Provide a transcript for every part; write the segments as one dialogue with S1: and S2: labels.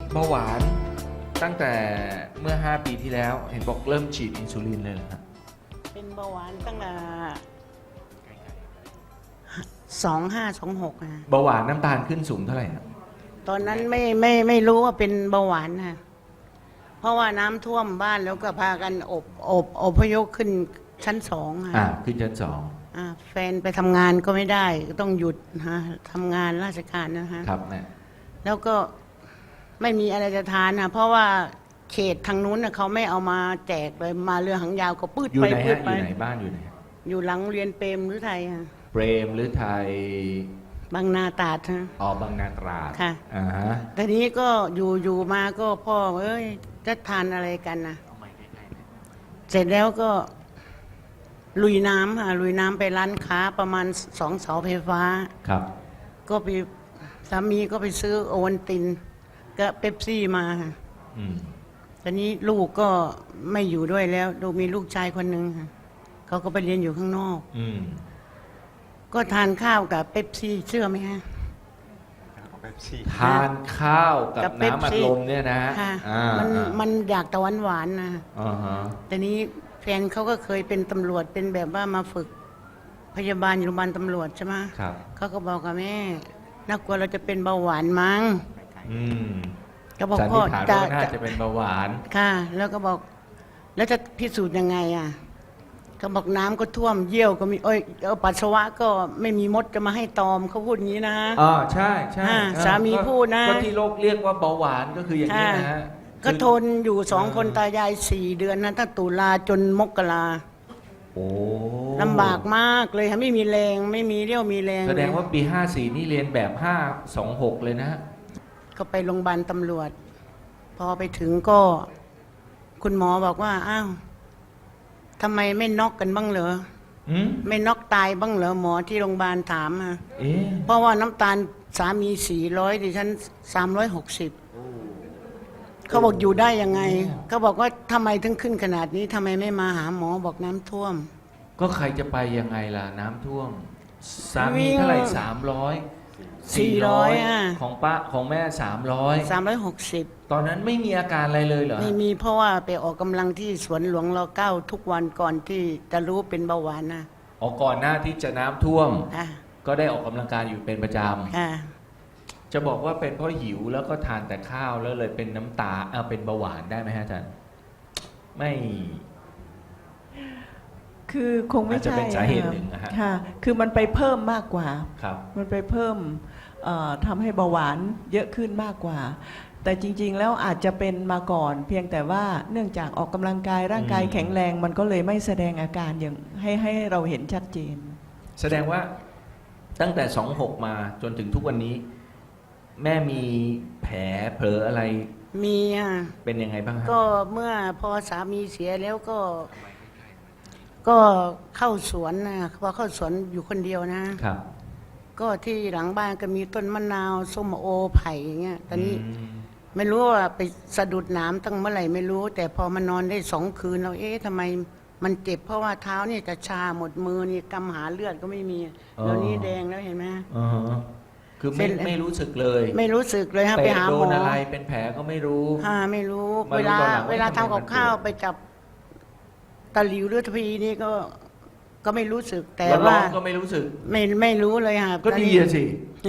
S1: เบาหวานตั้งแต่เมื่อ5ปีที่แล้วเห็นบอกเริ่มฉีดอินซูลินเลยเหรอครับ
S2: เป็นเบาหวานตั้งแต่2526นะ
S1: เบาหวานน้ำตาลขึ้นสูงเท่าไหร่ครับ
S2: ตอนนั้นไม่รู้ว่าเป็นเบาหวานนะเพราะว่าน้ำท่วมบ้านแล้วก็พากันอพยพขึ้นชั้น2ค่ะ
S1: ขึ้นชั้น
S2: แฟนไปทำงานก็ไม่ได้ก็ต้องหยุดฮะทำงานราชการนะฮะ
S1: ครับแม่
S2: แล้วก็ไม่มีอะไรจะทานนะเพราะว่าเขตทางนู้นนะเขาไม่เอามาแจกเลยมาเรือหางยาวก็ปืด
S1: อยู่
S2: ไป
S1: ไหน
S2: ปื
S1: ฮะอ
S2: ดไป
S1: ยู่ไหนบ้านอยู่ไหน
S2: อยู่หลังเรียนเปรมหรือไทยค่ะ
S1: เปรมหรือไทย
S2: บางนาตราดฮะ
S1: บางนาตราด
S2: ค่ะ
S1: ฮะ
S2: ทีนี้ก็อยู่มาก็พ่อเอ้ยจะทานอะไรกันนะเสร็จแล้วก็ลุยน้ำค่ะลุยน้ำไปร้านค้าประมาณ2 เสาไฟฟ้า
S1: ครับ
S2: ก็ไปสามีก็ไปซื้อโอวัลตินก็เป๊ปซี่มาค่ะตอนนี้ลูกก็ไม่อยู่ด้วยแล้วลูกมีลูกชายคนหนึ่งค่ะเขาก็ไปเรียนอยู่ข้างนอกก็ทานข้าวกับเป๊ปซี่เชื่อไหมฮะ
S1: ทานข้าวกับน้ำอัดลมเนี่ยนะ
S2: ค่ะมันอยากตะวันหวานนะแต่นี้แฟนเขาก็เคยเป็นตำรวจเป็นแบบว่ามาฝึกพยาบาลอยู่โรงพยาบาลตำรวจใช่ไหมเขาก็บอกกับแม่น่ากลัวเราจะเป็นเบาหวานมั้งก็บอกพ่อ
S1: น่าจะเป็นเบาหวาน
S2: ค่ะแล้วก็บอกแล้วจะพิสูจน์ยังไงเขาบอกน้ำก็ท่วมเยี่ยวก็มีปัสสาวะก็ไม่มีมดจะมาให้ตอมเขาพูดอย่างนี้นะ
S1: ใช่
S2: สามีพูดนะ
S1: ก็ที่โลกเรียกว่าเบาหวานก็คืออย่างนี้นะฮะ
S2: ก็ทนอยู่2 คนตายาย4 เดือนนะตั้งตุลาจนมกราลำบากมากเลยค่ะไม่มีแรงไม่มีเรี่ยวมีแรง
S1: แสดงว่าปี54นี่เรียนแบบ526เลยนะ
S2: ก็ไปโรงพยาบาลตำรวจพอไปถึงก็คุณหมอบอกว่าอ้าวทำไมไม่น็อกกันบ้างเหรอไม่น็อกตายบ้างเหรอหมอที่โรงพยาบาลถามเพราะว่าน้ำตาลสามี400ดิฉัน360เขาบอกอยู่ได้ยังไงเขาบอกว่าทำไมถึงขึ้นขนาดนี้ทำไมไม่มาหาหมอบอกน้ำท่วม
S1: ก็ใครจะไปยังไงล่ะน้ำท่วมสามีเท่าไหร่400ของป้าของแม่
S2: 360
S1: ตอนนั้นไม่มีอาการอะไรเลยเหรอ
S2: ไม่มีเพราะว่าไปออกกำลังที่สวนหลวงร9ทุกวันก่อนที่จะรู้เป็นเบาหวานนะ
S1: ก่อนหน้าที่จะน้ำท่วมก็ได้ออกกำลังกายอยู่เป็นประจำจะบอกว่าเป็นเพราะหิวแล้วก็ทานแต่ข้าวแล้วเลยเป็นน้ำตาเป็นเบาหวานได้ไหมฮะอาจารย์ไม่
S3: คือคงไม่ใช่
S1: จะเป็นสาเหตุหนึ่งนะฮะ
S3: ค่ะคือมันไปเพิ่มมากกว่า
S1: ครับ
S3: มันไปเพิ่มทำให้เบาหวานเยอะขึ้นมากกว่าแต่จริงๆแล้วอาจจะเป็นมาก่อนเพียงแต่ว่าเนื่องจากออกกำลังกายร่างกายแข็งแรงมันก็เลยไม่แสดงอาการอย่างให้เราเห็นชัดเจน
S1: แสดงว่าตั้งแต่26มาจนถึงทุกวันนี้แม่มีแผลเผลออะไร
S2: มี
S1: เป็นยังไงบ้างครับ
S2: ก็เมื่อพอสามีเสียแล้วก็เข้าสวนนะพอเข้าสวนอยู่คนเดียวนะครับก็ที่หลังบ้านก็มีต้นมะนาวส้มโอไผ่อย่างเงี้ยตอนนี้ไม่รู้ว่าไปสะดุดน้ำตั้งเมื่อไหร่ไม่รู้แต่พอมานอนได้2 คืนเราทำไมมันเจ็บเพราะว่าเท้านี่จะชาหมดมือนี่กำหาเลือดก็ไม่มีเดี๋ยวนี้แดงแล้วเห็นไหม
S1: คือไม่รู้สึกเลย
S2: ไม่รู้สึกเลยไปหาหมอ
S1: โดนอะไรเป็นแผลก็ไม่รู้
S2: ไม่รู้เวลาทำกับข้าวไปจับตะหลิวหรือทพีนี่ก็ไม่รู้สึกแต่ว่า
S1: ก็ไม่รู้สึก
S2: ไม่รู้เลยค่ะ
S1: ก็ดีสิ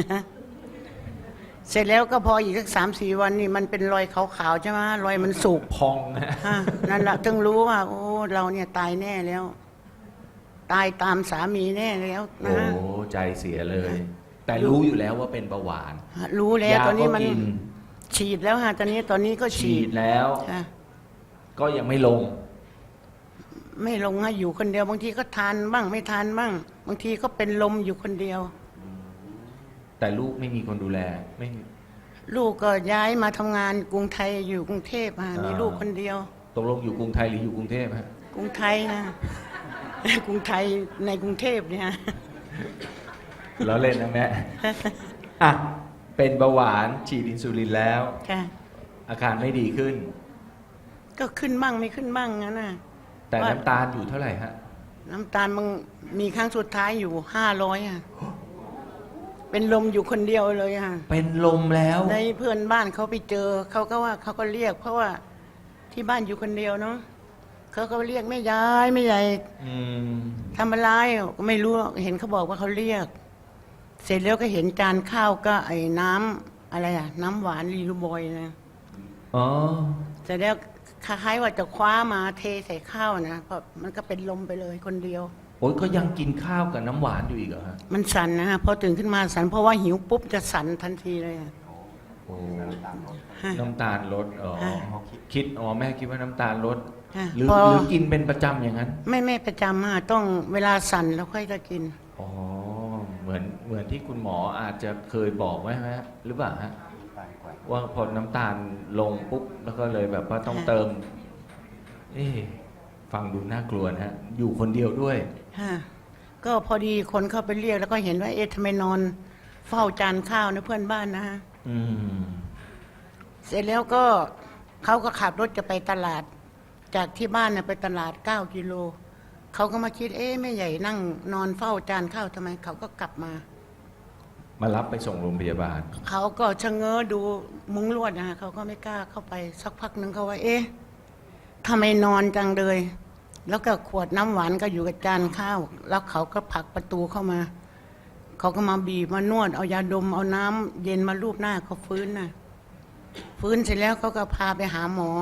S2: เสร็จแล้วก็พออีกสัก3-4 วันนี่มันเป็นรอยขาวๆใช่ไหมรอยมันสุก
S1: พอง
S2: นั่นแหละถึงรู้ว่าโอ้เราเนี่ยตายแน่แล้วตายตามสามีแน่แล้วนะ
S1: โอ้ใจเสียเลยแต่รู้อยู่แล้วว่าเป็นเบาหวาน
S2: รู้แล้วตอนนี้มันฉีดแล้วตอนนี้ก็ฉีด
S1: แล้วก็ยังไม่ลง
S2: อยู่คนเดียวบางทีก็ทานบ้างไม่ทานบ้างบางทีก็เป็นลมอยู่คนเดียว
S1: แต่ลูกไม่มีคนดูแลไม่
S2: ลูกก็ย้ายมาทำงานกรุงไทยอยู่กรุงเทพมีลูกคนเดียว
S1: ตกลงอยู่กรุงไทยหรืออยู่กรุงเทพฮะ
S2: กรุงไทยกรุงไทยในกรุงเทพเนี่ย
S1: แล้วเล่นนะแม่เป็นเบาหวานฉีดอินซูลินแล้วอาการไม่ดีขึ้น
S2: ก็ขึ้นบ้างไม่ขึ้นบ้างนะ
S1: แต่น้ำตาลอยู่เท่าไหร่ฮะ
S2: น้ำตาลมันมีครั้งสุดท้ายอยู่500 เป็นลมอยู่คนเดียวเลยค่ะ
S1: เป็นลมแล้ว
S2: ในเพื่อนบ้านเขาไปเจอเขาก็ว่าเขาก็เรียก เพราะว่าที่บ้านอยู่คนเดียวเนาะเขาก็เรียกแม่ยายแม่ยาย
S1: อืม
S2: ทำอะไรก็ไม่รู้เห็นเขาบอกว่าเขาเรียก เสร็จแล้วก็เห็นจานข้าวก็ไอ้น้ำอะไรอะน้ำหวานลีลูบอยนะ
S1: อ๋อ
S2: เสร็จแล้วคล้ายๆว่าจะคว้ามาเทใส่ข้าวนะเพราะมันก็เป็นลมไปเลยคนเดียว
S1: โอ้ยก็ยังกินข้าวกับน้ำหวานอยู่อีกเหรอฮะ
S2: มันสั่นนะฮะพอตื่นขึ้นมาสั่นเพราะว่าหิวปุ๊บจะสั่นทันทีเลยอะ
S1: โอ้
S2: ฮะ
S1: น้ำตาลลดอ๋อ
S2: ฮะ
S1: คิดอ๋อแม่คิดว่าน้ำตาลลด
S2: ฮะ
S1: หรือ
S2: พอ
S1: หรือกินเป็นประจำอย่างนั้น
S2: ไม่ประจำฮะต้องเวลาสั่นแล้วค่อยจะกิน
S1: อ๋อเหมือนที่คุณหมออาจจะเคยบอกไว้ไหมฮะหรือเปล่าฮะว่าพอน้ำตาลลงปุ๊บแล้วก็เลยแบบว่าต้อง
S2: ฮะ
S1: เติม เอ๊ะฟังดูน่ากลัวนะฮะอยู่คนเดียวด้วย
S2: ฮะก็พอดีคนเข้าไปเรียกแล้วก็เห็นว่าเอ๊ะทำไมนอนเฝ้าจานข้าวนะเพื่อนบ้านนะฮะ
S1: อืม
S2: เสร็จแล้วก็เขาก็ขับรถจะไปตลาด จากที่บ้านน่ะไปตลาด9 กิโลเขาก็มาคิดเอ๊ะแม่ใหญ่นั่งนอนเฝ้าจานข้าวทำไมเขาก็กลับมา
S1: มารับไปส่งโรงพยาบาล
S2: เขาก็ชะเง้อดูมุ้งลวดนะฮะเขาก็ไม่กล้าเข้าไปสักพักหนึ่งเขาว่า เอ๊ะทำไมนอนจังเลย แล้วก็ขวดน้ำหวานก็อยู่กับจานข้าว แล้วเขาก็ผลักประตูเข้ามา เขาก็มาบีบมานวดเอายาดมเอาน้ำเย็นมาลูบหน้าเขาฟื้นนะฟื้นเสร็จแล้วเขาก็พาไปหาหมอ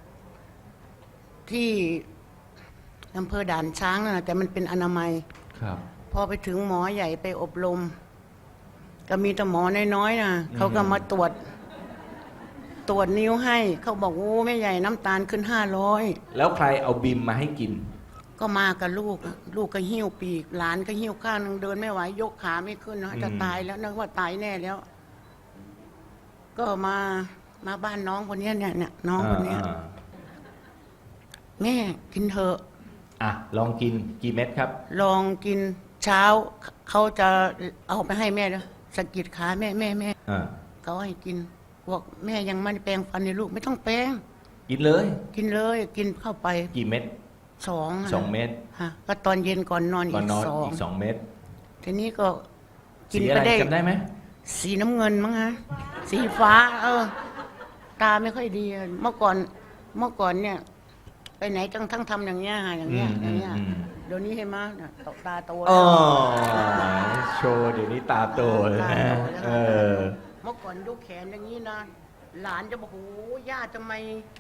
S2: ที่อำเภอด่านช้างนะแต่มันเป็นอนามัย
S1: ครับ
S2: พอไปถึงหมอใหญ่ไปอบรม ก็มีแต่หมอน้อยๆนะเขาก็มาตรวจนิ้วให้ เขาบอกโอ้แม่ใหญ่น้ำตาลขึ้น500
S1: แล้วใครเอาบิมมาให้กิน
S2: ก็มากับลูกอะลูกก็หิ้วปีก หลานก็หิ้วข้างนึงเดินไม่ไหวยกขาไม่ขึ้นนะจะตายแล้วนึกว่าตายแน่แล้ว ก็มาบ้านน้องคนเนี้ยเนี่ยน้องคนเนี้ย แม่กินเถอะ
S1: อ่ะลองกินกี่เม็ดครับ
S2: ลองกินเช้า เขาจะเอาไปให้แม่ด้วยสะกิดขาแม่
S1: อ่า
S2: เขาให้กินบอกแม่ยังไม่ได้แปรงฟันในลูกไม่ต้องแปรง
S1: กินเลย
S2: กินเลยกินเข้าไป
S1: กี่เม็ด
S2: 2
S1: 2 เม็ด
S2: ฮะก็ตอนเย็นก่อนนอน
S1: ก่อน
S2: อีก
S1: นอน
S2: สอง
S1: อีก2 เม็ด
S2: ทีนี้ก็กิน
S1: สี
S2: ไป
S1: อะไร
S2: ได้
S1: จำได้ไหม
S2: สีน้ำเงินมั้งฮะสีฟ้า ตาไม่ค่อยดีอะเมื่อก่อนเนี่ย ไปไหนทั้งทำอย่างเงี้ยฮะอย่างเงี้ยอย่างเงี้ยเดี๋ยวนี้เห็นไหมยตกตาโตแล้
S1: อ๋อ
S2: ว
S1: โชว์เดี๋ยวนี้ตาโตเลย
S2: ตา
S1: นะ
S2: โตแล้ว
S1: เออ
S2: เมื่อก่อนยกแขนอย่างนี้นะหลานจะบอกโอ้ย่าทำไม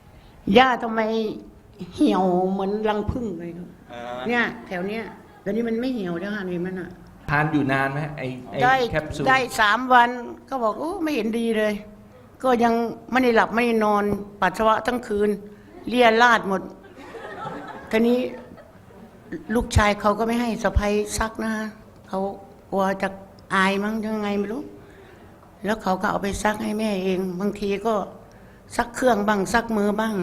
S2: เหี่ยวเหมือนรังผึ้งเลยเนี่ยแถวเนี้ยเดี๋ยวนี้มันไม่เหี่ยวแล้วฮะนี่มันอ่ะ
S1: ทานอยู่นานไหมไอ้
S2: ได้
S1: แคปซูล
S2: ได้3 วันก็บอกโอ้ไม่เห็นดีเลย ก็ยังไม่ได้หลับไม่ได้นอนปัสสาวะทั้งคืนเลียราดหมดทีนี้ลูกชายเขาก็ไม่ให้สะใภ้ซักนะเขากลัวจะอายมั้งยังไงไม่รู้ แล้วเขาก็เอาไปซักให้แม่เอง บางทีก็ซักเครื่องบ้างซักมือบ้าง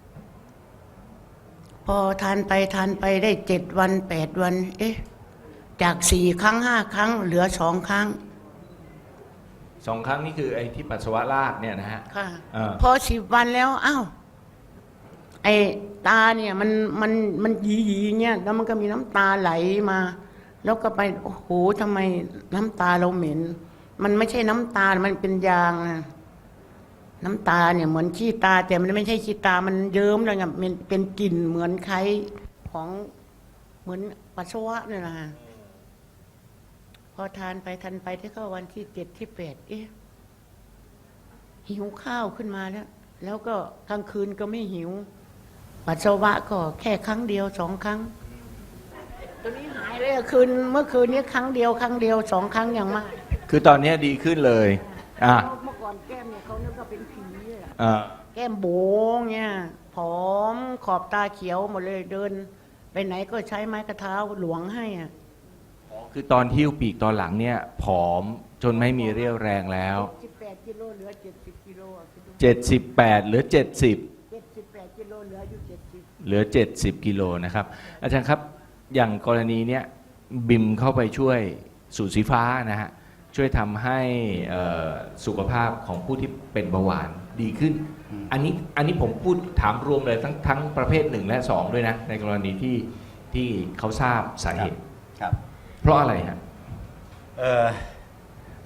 S2: พอทานไปได้7 วัน8 วัน เอ๊ะ จาก4 ครั้ง5 ครั้ง เหลือ2 ครั้ง
S1: 2 ครั้งนี่คือไอ้ที่ปัสสาวะราดเนี่ยนะฮะ
S2: ค่ะ
S1: า
S2: พอ10 วันแล้วอ้าวไอ้ตาเนี่ยมันหยีเนี่ยแล้วมันก็มีน้ำตาไหลมา แล้วก็ไปโอ้โหทำไมน้ำตาเราเหม็น มันไม่ใช่น้ำตา มันเป็นยางนะน้ำตาเนี่ยเหมือนขี้ตา แต่มันไม่ใช่ขี้ตา มันเยิ้มเลยไงมันเป็นกลิ่นเหมือนไข้ของเหมือนปัสสาวะเนี่ยนะฮะพอทานไปที่เข้าวันที่7 ที่ 8 เอ๊ะหิวข้าวขึ้นมาแล้วก็กลางคืนก็ไม่หิว ปัสสาวะก็แค่ครั้งเดียว2 ครั้งตัวนี้หายเลยเมื่อคืนนี้ครั้งเดียว2 ครั้งอย่างมาก
S1: คือตอนนี้ดีขึ้นเลยอ่ะ
S2: เมื่อก่อนแก้มเนี่ยเขานึกว่าเป็นผีอะ
S1: อ่า
S2: แก้มโบงเนี่ยผอมขอบตาเขียวหมดเลยเดิน ไปไหนก็ใช้ไม้กระเท้าหลวงให้อ่ะ
S1: คือตอนหิ้วปีกตอนหลังเนี่ยผอมจนไม่มีเรี่ยวแรงแล้ว
S2: 18 กิโลเหลือ70 กิโลอะคิดดู
S1: 78เหลือ 70
S2: 78 กิโลเหลืออยู่70
S1: เหลือ 70 กิโลนะครับ อาจารย์ครับ อย่างกรณีเนี้ยบิมเข้าไปช่วยสูตรสีฟ้านะฮะ ช่วยทำให้สุขภาพของผู้ที่เป็นเบาหวานดีขึ้น อันนี้ผมพูดถามรวมเลยทั้งประเภท1และ2ด้วยนะ ในกรณีที่เขาทราบสาเหตุ
S4: ครับ
S1: เพราะอะไรฮะ
S4: เอ่อค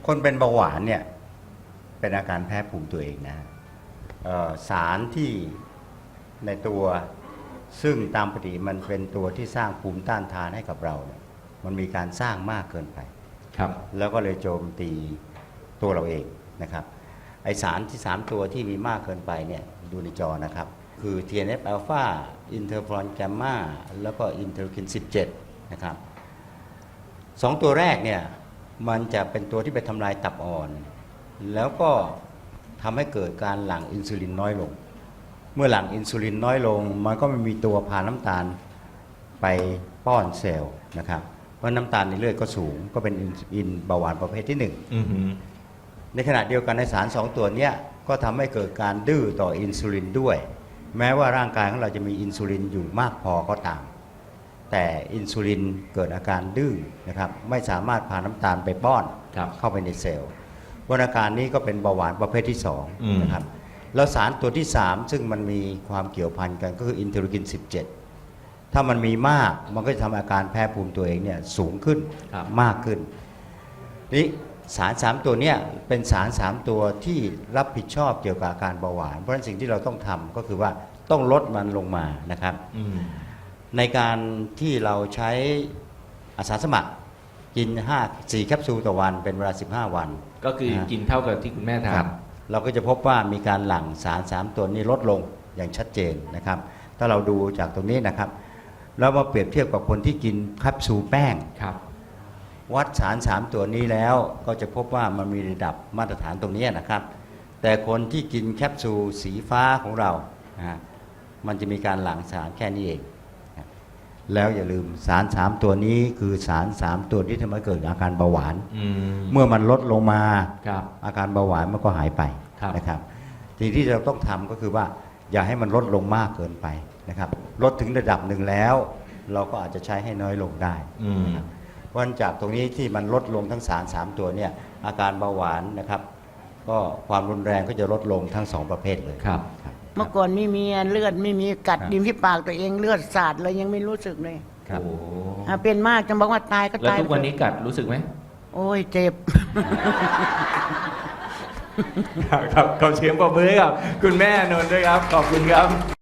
S4: คนเป็นเบาหวานเนี่ยเป็นอาการแพ้ภูมิตัวเองนะสารที่ในตัวซึ่งตามปกติมันเป็นตัวที่สร้างภูมิต้านทานให้กับเราเนี่ยมันมีการสร้างมากเกินไป
S1: ครับ
S4: แล้วก็เลยโจมตีตัวเราเองนะครับไอสารที่3ตัวที่มีมากเกินไปเนี่ยดูในจอนะครับคือ TNF อ l p h a อินเทอร์ฟรอนแกมมาแล้วก็อินเทอร์คิน17นะครับ2ตัวแรกเนี่ยมันจะเป็นตัวที่ไปทำลายตับอ่อนแล้วก็ทำให้เกิดการหลั่งอินซูลินน้อยลงเมื่อหลั่งอินซูลินน้อยลงมันก็ไม่มีตัวพาน้ำตาลไปป้อนเซลล์นะครับเพราะน้ำตาลในเลือดก็สูงก็เป็นอินเบาหวานประเภทที่1ในขณะเดียวกันในสาร2ตัวนี้ก็ทำให้เกิดการดื้อต่ออินซูลินด้วยแม้ว่าร่างกายของเราจะมีอินซูลินอยู่มากพอก็ตามแต่อินซูลินเกิดอาการดื้อนะครับไม่สามารถพาน้ำตาลไปป้อนเข้าไปในเซลล์วันอาการนี้ก็เป็นเบาหวานประเภทที่2นะครับแล้วสารตัวที่3ซึ่งมันมีความเกี่ยวพันกันก็คืออินเทอร์คิน17ถ้ามันมีมากมันก็จะทำอาการแพ้ภูมิตัวเองเนี่ยสูงขึ้นมากขึ้นนี่สาร3ตัวเนี้ยเป็นสาร3ตัวที่รับผิดชอบเกี่ยวกับอาการเบาหวานเพราะฉะนั้นสิ่งที่เราต้องทำก็คือว่าต้องลดมันลงมานะครับในการที่เราใช้อาสาสมัครกิน4แคปซูลต่อวันเป็นเวลา15วัน
S1: ก็คือกินเท่ากับที่คุณแม่ทาน
S4: เราก็จะพบว่ามีการหลั่งสาร3ตัวนี้ลดลงอย่างชัดเจนนะครับถ้าเราดูจากตรงนี้นะครับแล้วมาเปรียบเทียบกับคนที่กินแคปซูลแป้งวัดสาร3ตัวนี้แล้วก็จะพบว่ามันมีระดับมาตรฐานตรงนี้นะครับแต่คนที่กินแคปซูลสีฟ้าของเรามันจะมีการหลั่งสารแค่นี้เองแล้วอย่าลืมสาร3ตัวนี้คือสาร3ตัวที่ทำให้เกิดอาการเบาหวานเมื่อมันลดลงมาอาการเบาหวานมันก็หายไปนะครับสิ่งที่เราต้องทำก็คือว่าอย่าให้มันลดลงมากเกินไปนะครับลดถึงระดับหนึ่งแล้วเราก็อาจจะใช้ให้น้อยลงได้นะครับเพราะจากตรงนี้ที่มันลดลงทั้งสาร3ตัวเนี่ยอาการเบาหวานนะครับก็ความรุนแรงก็จะลดลงทั้ง2ประเภทเลย
S1: ครับ
S2: เมื่อก่อนไม่มีเลือดไม่มีกัดริมที่ปากตัวเองเลือดสาดเลยยังไม่รู้สึกเลย
S1: ครับ
S2: เป็นมากจนบอกว่าตายก็ตาย
S1: แล้วทุกวันนี้กัดรู้สึกไหม
S2: โอ้ยเจ็บ
S1: ครับขอเสียงปรบมือให้กับคุณแม่นนท์ด้วยครับขอบคุณครับ